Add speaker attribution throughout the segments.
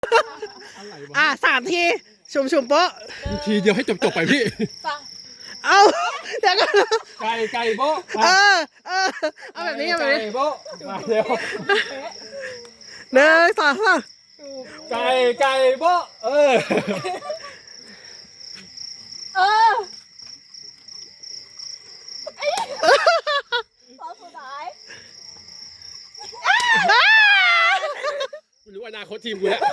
Speaker 1: 3 ทีชุมโป๊ะ
Speaker 2: ทีเดียวให้จบไปพี่
Speaker 1: เอาเดี๋ยวก่อน
Speaker 2: ไก่โบ๊ะ
Speaker 1: เอาแบบนี้เอาแบบนี้
Speaker 2: ไก่โบ๊ะมาเร็ว
Speaker 1: 1 2 3
Speaker 2: ไก่โบ๊ะ
Speaker 3: ตอนสุดท้าย
Speaker 2: กูรู้อนาคตทีมกูแล้ว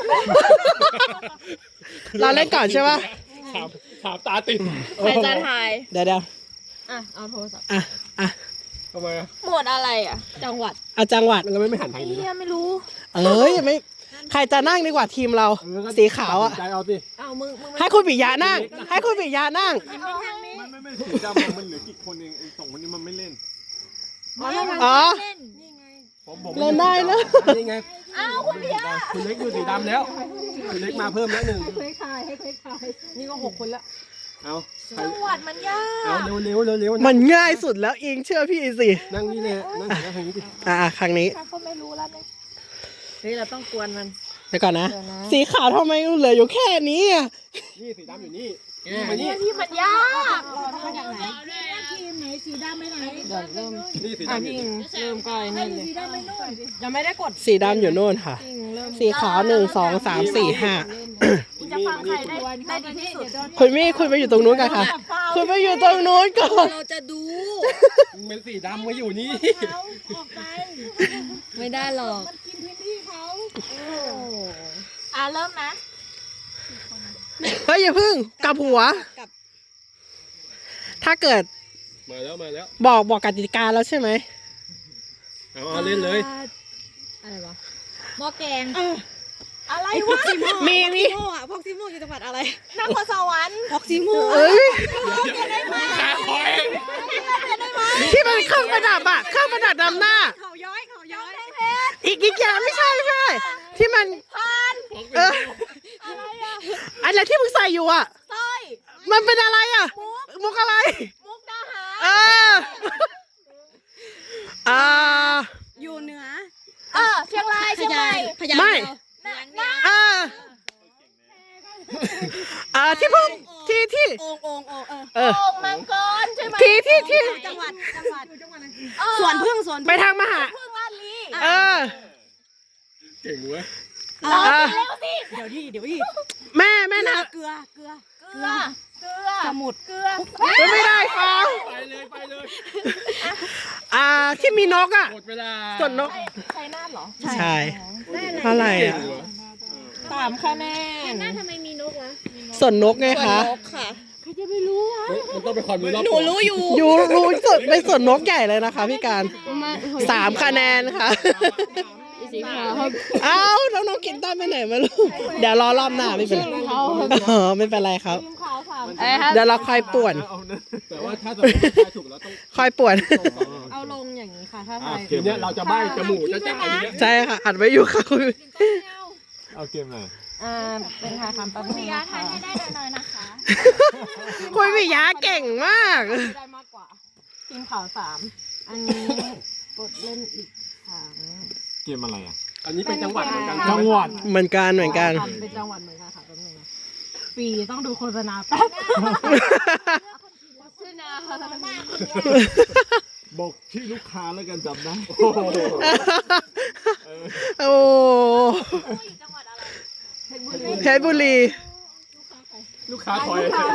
Speaker 1: เราเล่นก่อนใช่ปะ
Speaker 2: ถามตาติด
Speaker 3: ใครจะถ่าย
Speaker 1: เดี๋ยว
Speaker 3: อ่ะ เอาโทรศัพท์
Speaker 2: ทำไมอ่ะ
Speaker 3: หมวดอะไรอ่ะ จังหวัด
Speaker 1: เอาจังหวัด
Speaker 2: เราไม่หันทางนี้
Speaker 3: เฮียไม่รู้
Speaker 1: ไม่ใครจะนั่งดีกว่าทีมเราสีขาวอ่ะ
Speaker 2: ใจเอาสิ
Speaker 3: เอามึง
Speaker 1: ให้คุณปิยะนั่ง ให้คุณปิยะนั่ง
Speaker 3: เอาทางนี้
Speaker 2: ไม่สีดำมันเหลือกี่คนเองไอ้2 คนนี้มันไม่เล่น
Speaker 1: อ๋อ
Speaker 3: เล่นนี่ไง
Speaker 1: เล่นได้นะ
Speaker 2: นี่ไง
Speaker 3: อ้าวคุณพี่ยะ
Speaker 2: คุณเล็กอยู่สีดำแล้วคุณเล็กมาเพิ่มแล้ว1
Speaker 3: นี่ก็6 คนแล้ว
Speaker 2: เอา
Speaker 3: จังหวัดมันยา
Speaker 2: เอา
Speaker 3: ก
Speaker 2: เร็ว
Speaker 1: มันง่ายสุดแล้วอิงเชื่อพี่สิ
Speaker 2: นั่งนี่เลยนั่งทางนี้ดิ
Speaker 1: ครั้งนี้
Speaker 3: ก็ไม่รู้แล้วเนี่ยเฮ้ยเราต้องกวนมัน
Speaker 1: เดี๋ยวก่อนนะ
Speaker 3: เดี๋ยวนะ
Speaker 1: สีขาวทำไมเหลืออยู่แค่นี้อ่ะ
Speaker 2: นี่สีดำอยู่นี่มานี่
Speaker 3: ที่มันยาก
Speaker 4: ทีมไหนสีดำไปไหน
Speaker 3: เดี๋ยวเริ่ม
Speaker 2: นี่สี
Speaker 3: อ่ะ
Speaker 2: ดำ
Speaker 3: พี่อิงเริ่มก่อนนี่เลย
Speaker 4: สีดำไปนู่น
Speaker 3: ยังไม่ได้กด
Speaker 1: สีดำอยู่โน่นค่ะ
Speaker 3: พี่อิงเริ่ม
Speaker 1: สีขาว 1 2 3 4 5
Speaker 3: จะฟังใครได้ดีที่สุด
Speaker 1: คุณไปอยู่ตรงนู้นกันค่ะ คุณไปอยู่ตรงนู้นก่อน
Speaker 3: เราจะดู
Speaker 2: เป็นสีดำมาอยู่นี่
Speaker 4: เขาออกไป
Speaker 3: ไม่ได้หรอก
Speaker 4: มันกินพื้นที่เขา
Speaker 3: เริ่มนะ
Speaker 1: เฮ้ยอย่าพึ่งกลับหัว ถ้าเกิด
Speaker 2: มาแล้ว
Speaker 1: บอกกติกาแล้วใช่ไหม
Speaker 2: เอาเล่นเลย
Speaker 3: อะไรวะหม้อแกง
Speaker 4: อะไรวะ
Speaker 1: มี
Speaker 3: พอกซิโม่อยู่จังหวัดอะไร
Speaker 4: นครสวรรค์
Speaker 3: พอกซิโม่
Speaker 1: เอ้ย
Speaker 2: ขาคอย
Speaker 1: ที่มันเครื่องประดับอะเครื่องประดับนำหน้า
Speaker 3: เขาย้อย
Speaker 1: อีกอย่างไม่ใช่ที่มันอะไรที่มึงใส่อยู่อะ
Speaker 3: สร้อย
Speaker 1: มันเป็นอะไรอะมุกอะไร
Speaker 3: มุกดาหาร
Speaker 4: อยู่เหนือ
Speaker 3: เชียงรายเชียงใหม่
Speaker 1: ไม่ที่พุ่งที่
Speaker 4: โอ่งโอ่งโอ่ง
Speaker 1: เออ
Speaker 3: โอ่งมังกรใช่ไหม
Speaker 1: ที่
Speaker 4: จังหวัดสวนพึ่งสวน
Speaker 1: ไปทางมหา
Speaker 3: พึ่งลาดลี
Speaker 2: เก่งเว้ย
Speaker 3: เร็วสิ
Speaker 4: เดี๋ยวดิ
Speaker 1: แม่นะ
Speaker 4: เกลือ
Speaker 3: เกลือสมุดเกลือ
Speaker 1: ไม่ได้ฟัง
Speaker 2: ไปเลย
Speaker 1: ที่มีนกอะ
Speaker 2: หมดเวลา
Speaker 1: ส่วนนก
Speaker 3: ใช่นาทเหรอ
Speaker 1: ใช่อะไร
Speaker 2: เก่ง
Speaker 1: อะ
Speaker 2: เหรอ
Speaker 3: 3 คะแนน
Speaker 4: น่าทำไมมีนกวะ
Speaker 1: ส่วนนกไงคะ
Speaker 3: นกค่ะ
Speaker 2: มันต้องเป็นความรู้รอบ
Speaker 3: หนูรู้อยู่
Speaker 1: อยู่รู้สุดเป็นส่วนนกใหญ่เลยนะคะพี่การ3 คะแนนค่ะ
Speaker 3: สีขาวครับ
Speaker 1: เอ้าน้องๆกินต้นไปไหนมาลูกเดี๋ยวรอรอบหน้าไม่เป็นไรไม่เป็นไรครับ
Speaker 3: ขาวสาม
Speaker 1: เดี๋ยวเราคอยป่วน
Speaker 2: แต่ว่าถ้าสมมติทายถูกแล้วต้อง
Speaker 1: คอยป่วน
Speaker 3: เอาลงอย่างนี้ค่ะถ้าทาย
Speaker 2: เกมเนี้ยเราจะใบ้จมูกจะจ่ายอย่างเงี้ย
Speaker 1: ใช่ค่ะอัดไว้อยู่ค่ะคุณ
Speaker 2: เอาเกมไหน
Speaker 3: เป็นทายคำประเภทนะคะ
Speaker 4: ให้ได้หน่อยนะคะ
Speaker 1: คุณวิยาเก่งมาก
Speaker 3: ได้มากกว่าทีมขาว3อันนี้กดเล่นอีกครั้ง
Speaker 5: เกมอะไรอ่ะ
Speaker 2: อันนี้เป็นจังหวัดเหมือนกัน
Speaker 5: จังหวัด
Speaker 1: เหมือนกัน
Speaker 3: เป็นจังหวัดเหมือนกันค่ะแป๊บนึงนะปีต้องดูโฆษณาแป๊บโฆษณา
Speaker 5: บอกชื่อลูกค้าแล้วกันจำได้
Speaker 1: โอ้เพชรบุรี
Speaker 2: ลูกค้าคอย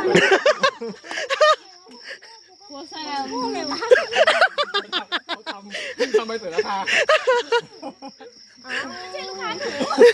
Speaker 3: หัวแซม
Speaker 2: เขาทำไปเสร็จแล้วค่ะ
Speaker 3: ไม่ใช่ลูกค้าหนู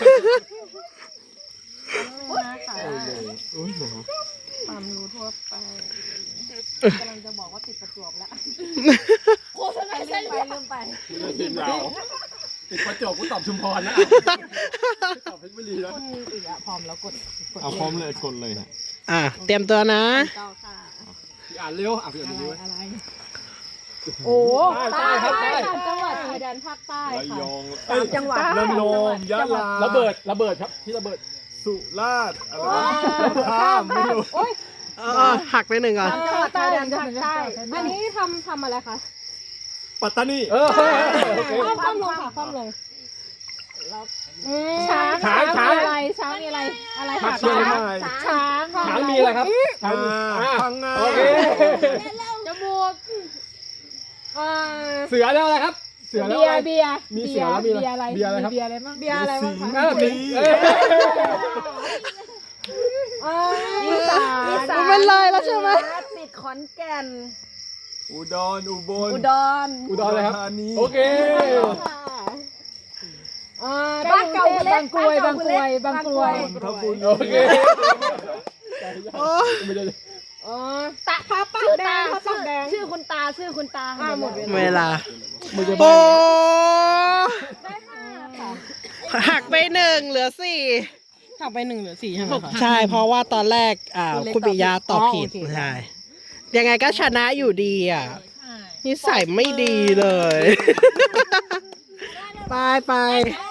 Speaker 3: นะคะ
Speaker 5: โอ้ยหรอ
Speaker 3: ความรู้ทั่วไปกำลังจะบอกว่าติดประจวบแล้วโฆษณาเส้นไปลืมไป
Speaker 2: ทีมเราติดประจวบกูตอบชุมพรนะตอบเพชรบุรีแล้ว
Speaker 3: คุณอีกอะพร้อมแล้วกด
Speaker 5: เอาพร้อมเลยกดเลยฮะ
Speaker 1: เตรียมตัวนะ
Speaker 3: ต่อค่ะ
Speaker 2: อ่านเร็วอ่านเร็วดีไหม
Speaker 3: โอ้
Speaker 2: ใต้ครับใต้
Speaker 3: จังหวัดชายแดนภาคใต้
Speaker 5: ระ
Speaker 3: ค่ะ
Speaker 5: ยอง
Speaker 3: จังหวัด
Speaker 5: ระนองยะลา
Speaker 2: ระเบิดครับที่ระเบิด
Speaker 5: สุราษฎร์อะไรนะข้ามไม่รู้
Speaker 1: หักไปหนึ่งก่อน
Speaker 3: จังหวัดชายแดนภาคใต้อันนี้ทำอะไรคะ
Speaker 5: ปัตตานี
Speaker 2: โอเค
Speaker 3: คว่ำลงค่ะคว่ำลงช้าง
Speaker 2: ช้าง
Speaker 3: อะไรช้างมีอะไรอะไร
Speaker 2: มา
Speaker 3: ค่ะ
Speaker 2: เชียงใหม่
Speaker 3: ช้าง
Speaker 2: ช้างมีอะไรครับช้างมี
Speaker 5: พังงา
Speaker 2: โอเค
Speaker 3: จมูก
Speaker 2: เสือแล้วอะไรครับ เสือแล้ว
Speaker 3: เบีย
Speaker 2: อะไร
Speaker 3: ร์เบียร์
Speaker 2: มีเสือแล้วมีอะไร
Speaker 3: เบียร์อะไร
Speaker 2: เบียร์อะไรครับ
Speaker 3: เบียร์อะไรบ้าง
Speaker 5: สี
Speaker 3: เบียร์อะไรบ้างคะ
Speaker 2: สิง
Speaker 3: อีสาน
Speaker 1: มันเป็นเลยแล้วใช่ไหม
Speaker 3: ติดขอนแก่น
Speaker 5: อุดรอุบล
Speaker 3: อุดร
Speaker 2: อุดรเลยครับ
Speaker 5: ธานี
Speaker 2: โอเค
Speaker 3: บ้านเก่าบางกรวยบางกรวยบางกรวย
Speaker 5: นนทบุรี
Speaker 2: โอเค
Speaker 1: โอ้
Speaker 2: ไม่ได้
Speaker 3: ตาพระปากแดงพระปากแดง
Speaker 4: ชื่อคุณตา
Speaker 3: หมด
Speaker 1: เวลา
Speaker 2: ไม่ได้
Speaker 1: โอ้หักไป1เหลือ4
Speaker 3: หักไป1เหลือ4ใช่ไหมคะ
Speaker 1: ใช่เพราะว่าตอนแรกคุณปิยาตอบผิด
Speaker 3: อ๋อโอเค
Speaker 1: ใช่ยังไงก็ชนะอยู่ดีอ่ะนิสัยไม่ดีเลย ไป